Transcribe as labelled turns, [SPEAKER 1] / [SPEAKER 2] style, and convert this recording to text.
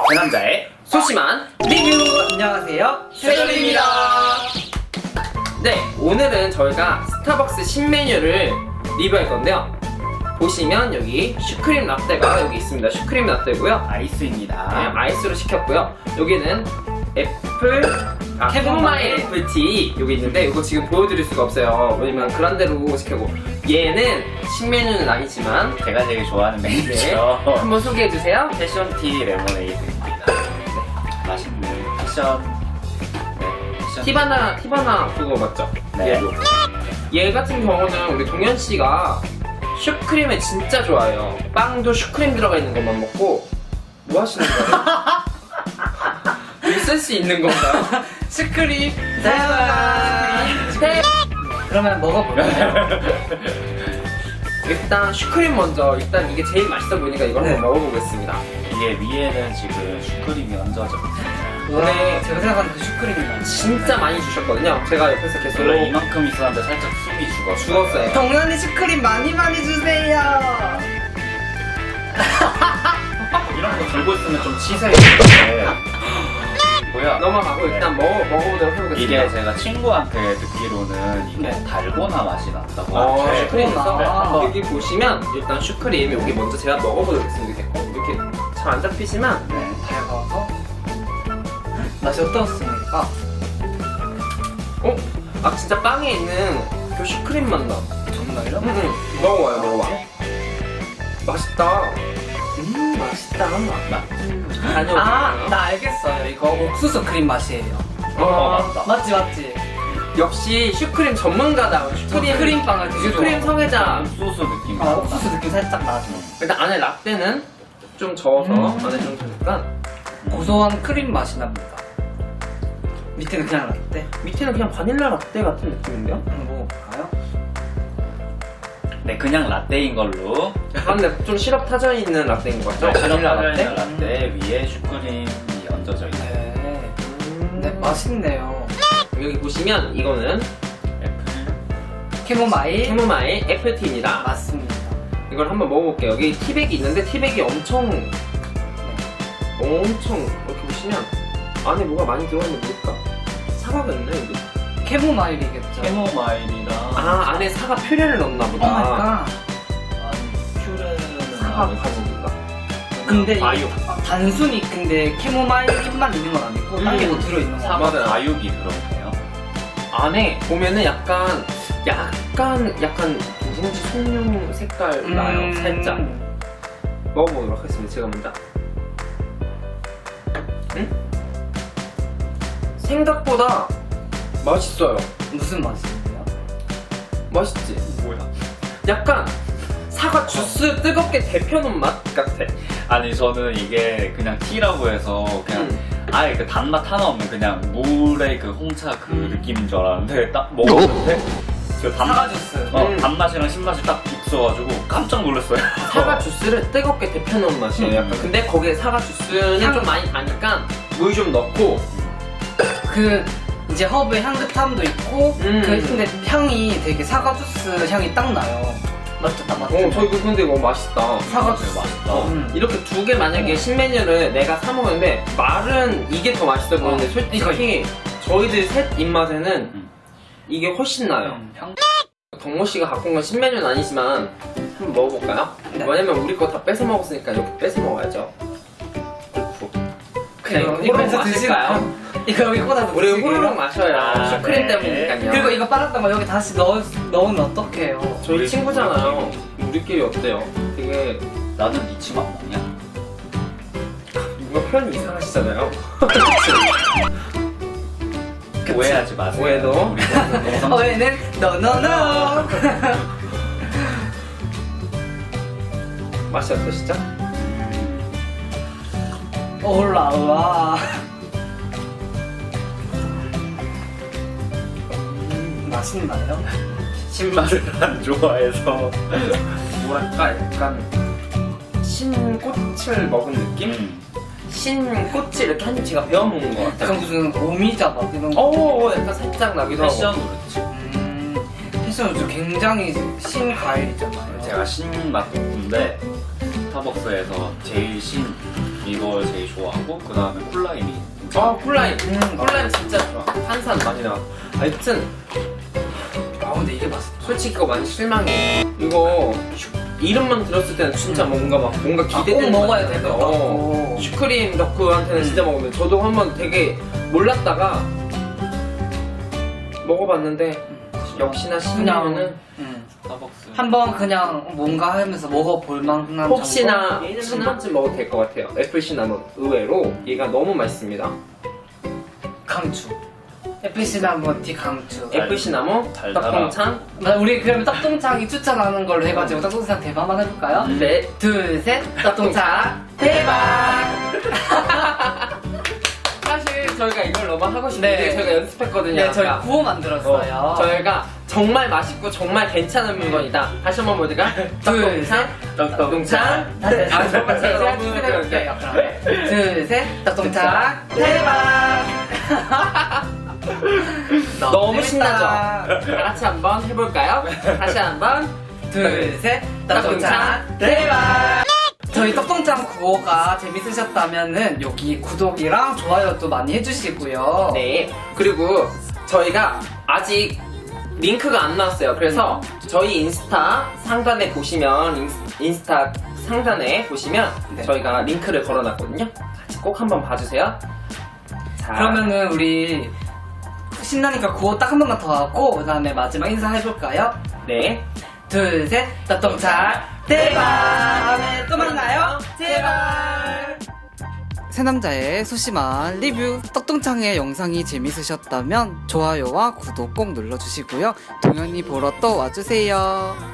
[SPEAKER 1] 제 남자의
[SPEAKER 2] 소심한
[SPEAKER 3] 리뷰! 안녕하세요,
[SPEAKER 2] 세돌입니다. 네, 오늘은 저희가 스타벅스 신메뉴를 리뷰할 건데요. 보시면 여기 슈크림 라떼가 여기 있습니다. 슈크림 라떼고요.
[SPEAKER 1] 아이스입니다.
[SPEAKER 2] 네, 아이스로 시켰고요. 여기는 캐모마일 애플티 여기 있는데 이거 지금 보여드릴 수가 없어요. 왜냐면 그란데로 시켰고 얘는 신메뉴는 아니지만
[SPEAKER 1] 제가 제일 좋아하는
[SPEAKER 2] 네,
[SPEAKER 1] 메뉴죠.
[SPEAKER 2] 한번 소개해주세요.
[SPEAKER 1] 패션티 레모네이드입니다. 맛있는 패션. 네, 패션.
[SPEAKER 2] 티바나 그거 맞죠?
[SPEAKER 1] 네.
[SPEAKER 2] 얘도. 얘 같은 경우는 우리 동현씨가 슈크림을 진짜 좋아해요. 빵도 슈크림 들어가 있는 것만 먹고 뭐 하시는 거예요? 쓸 수 있는 건가요?
[SPEAKER 3] 슈크림!
[SPEAKER 2] 네.
[SPEAKER 3] 그러면 먹어볼까요?
[SPEAKER 2] 일단 슈크림 먼저. 일단 이게 제일 맛있어 보이니까 이걸
[SPEAKER 3] 네.
[SPEAKER 2] 한번 먹어보겠습니다.
[SPEAKER 1] 이게 위에는 지금 슈크림이 얹어져 있어요.
[SPEAKER 2] 네.
[SPEAKER 3] 제가 생각하는 그 슈크림이 많이
[SPEAKER 2] 진짜 많이 주셨거든요. 제가 옆에서 계속
[SPEAKER 1] 원래 이만큼 있었는데 살짝 숨이 죽었어요.
[SPEAKER 2] 죽었어요.
[SPEAKER 3] 동현이 슈크림 많이 주세요!
[SPEAKER 1] 이런 거 들고 있으면 좀 치사해지는데 뭐야?
[SPEAKER 2] 넘어가고 일단 먹어보도록 해보겠습니다.
[SPEAKER 1] 이게 제가 친구한테 듣기로는 이게
[SPEAKER 3] 네.
[SPEAKER 1] 달고나 맛이 난다고 하는데
[SPEAKER 2] 슈크림에서
[SPEAKER 3] 네, 한번.
[SPEAKER 2] 여기 보시면 일단 슈크림 여기 먼저 제가 먹어보도록 하겠습니다. 이렇게 잘 안 잡히지만
[SPEAKER 3] 네, 달가서 맛이 어떻습니까?
[SPEAKER 2] 아 진짜 빵에 있는 그 슈크림 맛 나.
[SPEAKER 3] 정말요?
[SPEAKER 2] 먹어봐요, 먹어봐. 맛있다.
[SPEAKER 3] 맛있다.
[SPEAKER 2] 다녀오세요.
[SPEAKER 3] 나 알겠어요. 이거 옥수수 크림 맛이에요.
[SPEAKER 1] 맞다.
[SPEAKER 3] 맞지?
[SPEAKER 2] 역시 슈크림 전문가다. 슈크림
[SPEAKER 3] 크림빵을
[SPEAKER 2] 슈크림 성애자.
[SPEAKER 1] 소스 느낌.
[SPEAKER 3] 옥수수 느낌 살짝 나죠.
[SPEAKER 2] 일단 안에 라떼는 좀 저어서 안에 좀 약간
[SPEAKER 3] 고소한 크림 맛이 납니다. 밑에는 그냥 라떼.
[SPEAKER 2] 밑에는 그냥 바닐라 라떼 같은 느낌인데요?
[SPEAKER 3] 한번 먹어볼까요?
[SPEAKER 1] 네, 그냥 라떼인 걸로.
[SPEAKER 2] 그런데 좀 시럽 타져 있는 라떼인 것 같죠?
[SPEAKER 1] 바닐라
[SPEAKER 2] 라떼?
[SPEAKER 1] 라떼 위에 슈크림이 얹어져 있어요.
[SPEAKER 3] 네. 네, 맛있네요.
[SPEAKER 2] 여기 보시면 이거는
[SPEAKER 1] 애플.
[SPEAKER 3] 캐모마일.
[SPEAKER 2] 캐모마일 애플티입니다.
[SPEAKER 3] 맞습니다.
[SPEAKER 2] 이걸 한번 먹어볼게요. 여기 티백이 있는데 티백이 엄청 이렇게 보시면 안에 뭐가 많이 들어있는데 뭘까? 사과가 있네 여기.
[SPEAKER 3] 캐모마일이겠죠.
[SPEAKER 1] 캐모마일이랑
[SPEAKER 2] 안에 사과 퓨레를 넣나 보다.
[SPEAKER 3] 오마이갓.
[SPEAKER 1] 퓨레는
[SPEAKER 2] 사과 가지인가?
[SPEAKER 3] 근데
[SPEAKER 1] 과육.
[SPEAKER 3] 단순히 근데 캐모마일만 있는 건 아니고 딴 게 뭐 들어있는 거
[SPEAKER 1] 사과
[SPEAKER 2] 맞아요.
[SPEAKER 1] 과육이 들어있네요.
[SPEAKER 2] 안에 보면은 약간 누룽지 송룡 색깔 나요. 살짝 먹어보도록 하겠습니다. 제가 먼저. 생각보다 맛있어요.
[SPEAKER 3] 무슨 맛이에요?
[SPEAKER 2] 맛있지?
[SPEAKER 1] 뭐야?
[SPEAKER 2] 약간 사과 주스 뜨겁게 데펴놓은 맛 같아.
[SPEAKER 1] 아니 저는 이게 그냥 티라고 해서 그냥 아예 그 단맛 하나 없는 그냥 물의 그 홍차 그 느낌인 줄 알았는데 딱 먹었는데 그
[SPEAKER 3] 사과 주스.
[SPEAKER 1] 단맛이랑 신맛이 딱 있어가지고 깜짝 놀랐어요.
[SPEAKER 2] 사과 주스를 뜨겁게 데펴놓은 맛이에요. 약간. 근데 거기에 사과 주스는
[SPEAKER 3] 향.
[SPEAKER 2] 좀 많이 가니까 물 좀 넣고
[SPEAKER 3] 그 이제 허브의 향긋함도 있고
[SPEAKER 2] 음.
[SPEAKER 3] 근데 향이 되게 사과 주스 향이 딱 나요. 맞죠? 딱 맞죠?
[SPEAKER 2] 저 이거 근데 이거 맛있다.
[SPEAKER 3] 사과
[SPEAKER 1] 되게
[SPEAKER 3] 주스.
[SPEAKER 1] 맛있다.
[SPEAKER 2] 이렇게 두 개 만약에 신메뉴를 내가 사 먹는데 말은 이게 더 맛있어 보이는데 솔직히 저희들 셋 입맛에는 이게 훨씬 나요.
[SPEAKER 3] 향.
[SPEAKER 2] 덕모 씨가 갖고 온 건 신메뉴는 아니지만 한번 먹어볼까요?
[SPEAKER 3] 네.
[SPEAKER 2] 왜냐면 우리 거 다 뺏어 먹었으니까 이렇게 뺏어 먹어야죠. 그냥 이거
[SPEAKER 3] 이거
[SPEAKER 2] 호로록
[SPEAKER 3] 뺏어
[SPEAKER 2] 마실까요?
[SPEAKER 3] 이거 여기 꽂아서
[SPEAKER 2] 우리
[SPEAKER 3] 드시게요?
[SPEAKER 2] 호로록 마셔요.
[SPEAKER 1] 아,
[SPEAKER 2] 슈크림
[SPEAKER 1] 네.
[SPEAKER 2] 때문이니까요.
[SPEAKER 3] 그리고 이거 빨았던 거 여기 다시 넣으면 어떡해요?
[SPEAKER 2] 저희 친구잖아요. 우리끼리 어때요? 되게
[SPEAKER 1] 나는 니 침 안 먹냐?
[SPEAKER 2] 누가 표현이 이상하시잖아요.
[SPEAKER 1] 오해하지 마세요.
[SPEAKER 2] 오해도.
[SPEAKER 1] 우리 동성
[SPEAKER 3] 왜는 너너너
[SPEAKER 2] 맛이 어떠시죠?
[SPEAKER 3] 올라와. 맛있나요?
[SPEAKER 1] 신맛을 안 좋아해서
[SPEAKER 2] 뭐랄까 약간 신꽃을 먹은 느낌? 신꽃을 이렇게 한 입 제가 베어 먹는 것 같아요.
[SPEAKER 3] 약간 무슨 오미자 막 이런 거.
[SPEAKER 2] 약간 살짝 나기도 하고.
[SPEAKER 1] 패션으로 그렇지.
[SPEAKER 3] 패션은 굉장히 신과일이잖아요.
[SPEAKER 1] 제가 신맛 덕후인데 스타벅스에서 제일 신 이걸 제일 좋아하고 그 다음에 쿨라임이
[SPEAKER 2] 쿨라임. 쿨라임 진짜 좋아. 탄산 많이 나와. 하여튼
[SPEAKER 3] 아 근데 이게 맛있다.
[SPEAKER 2] 솔직히 이거 많이 실망해. 이거 이름만 들었을 때는 진짜 뭔가
[SPEAKER 3] 꼭
[SPEAKER 2] 기대되는
[SPEAKER 3] 먹어야
[SPEAKER 2] 맛이
[SPEAKER 3] 될 것
[SPEAKER 2] 나요.
[SPEAKER 3] 같고.
[SPEAKER 2] 슈크림 덕후한테는 진짜 먹으면 저도 한번 되게 몰랐다가 먹어봤는데 역시나 신라면은
[SPEAKER 1] 스타벅스
[SPEAKER 3] 한번 그냥 뭔가 하면서 먹어볼 만한
[SPEAKER 2] 혹시나
[SPEAKER 3] 정도?
[SPEAKER 2] 한 번쯤 먹어도 될 것 같아요. 애플 시나몬 의외로 얘가 너무 맛있습니다.
[SPEAKER 3] 강추. 애플 시나몬 티 강추.
[SPEAKER 2] 애플 시나몬
[SPEAKER 1] 달달하고.
[SPEAKER 2] 떡동창
[SPEAKER 3] 우리 그러면 떡동창이 추천하는 걸로 해가지고 떡동창 대박 한번 해볼까요?
[SPEAKER 2] 네.
[SPEAKER 3] 둘, 셋, 떡동창 대박!
[SPEAKER 2] 사실 저희가 이걸 너무 하고 싶은데
[SPEAKER 3] 네.
[SPEAKER 2] 저희가 연습했거든요.
[SPEAKER 3] 네, 저희
[SPEAKER 2] 아까.
[SPEAKER 3] 구호 만들었어요.
[SPEAKER 2] 저희가 정말 맛있고 정말 괜찮은 물건이다. 다시 한번 모두가
[SPEAKER 3] 둘, 셋,
[SPEAKER 2] 떡동창.
[SPEAKER 3] 아, 정말 제가
[SPEAKER 2] 너무
[SPEAKER 3] 해볼게요. 둘, 셋, 떡동창 대박!
[SPEAKER 2] 너무
[SPEAKER 3] 재밌다.
[SPEAKER 2] 신나죠? 다 같이 한번 해볼까요? 다시 한번.
[SPEAKER 3] 둘, 셋, 떡동창 대박! 저희 떡동창 구호가 재밌으셨다면은 여기 구독이랑 좋아요도 많이 해주시고요.
[SPEAKER 2] 네. 그리고 저희가 아직 링크가 안 나왔어요. 그래서 저희 인스타 상단에 보시면 인스타 상단에 보시면
[SPEAKER 3] 네.
[SPEAKER 2] 저희가 링크를 걸어놨거든요. 같이 꼭 한번 봐주세요. 자,
[SPEAKER 3] 그러면은 우리 신나니까 구호 딱 한 번만 더 하고 그 다음에 마지막 인사해볼까요?
[SPEAKER 2] 네.
[SPEAKER 3] 둘, 셋, 떡동창 대박! 다음에 또 만나요. 제발! 새남자의 소심한 리뷰 떡동창의 영상이 재밌으셨다면 좋아요와 구독 꼭 눌러주시고요. 동현이 보러 또 와주세요.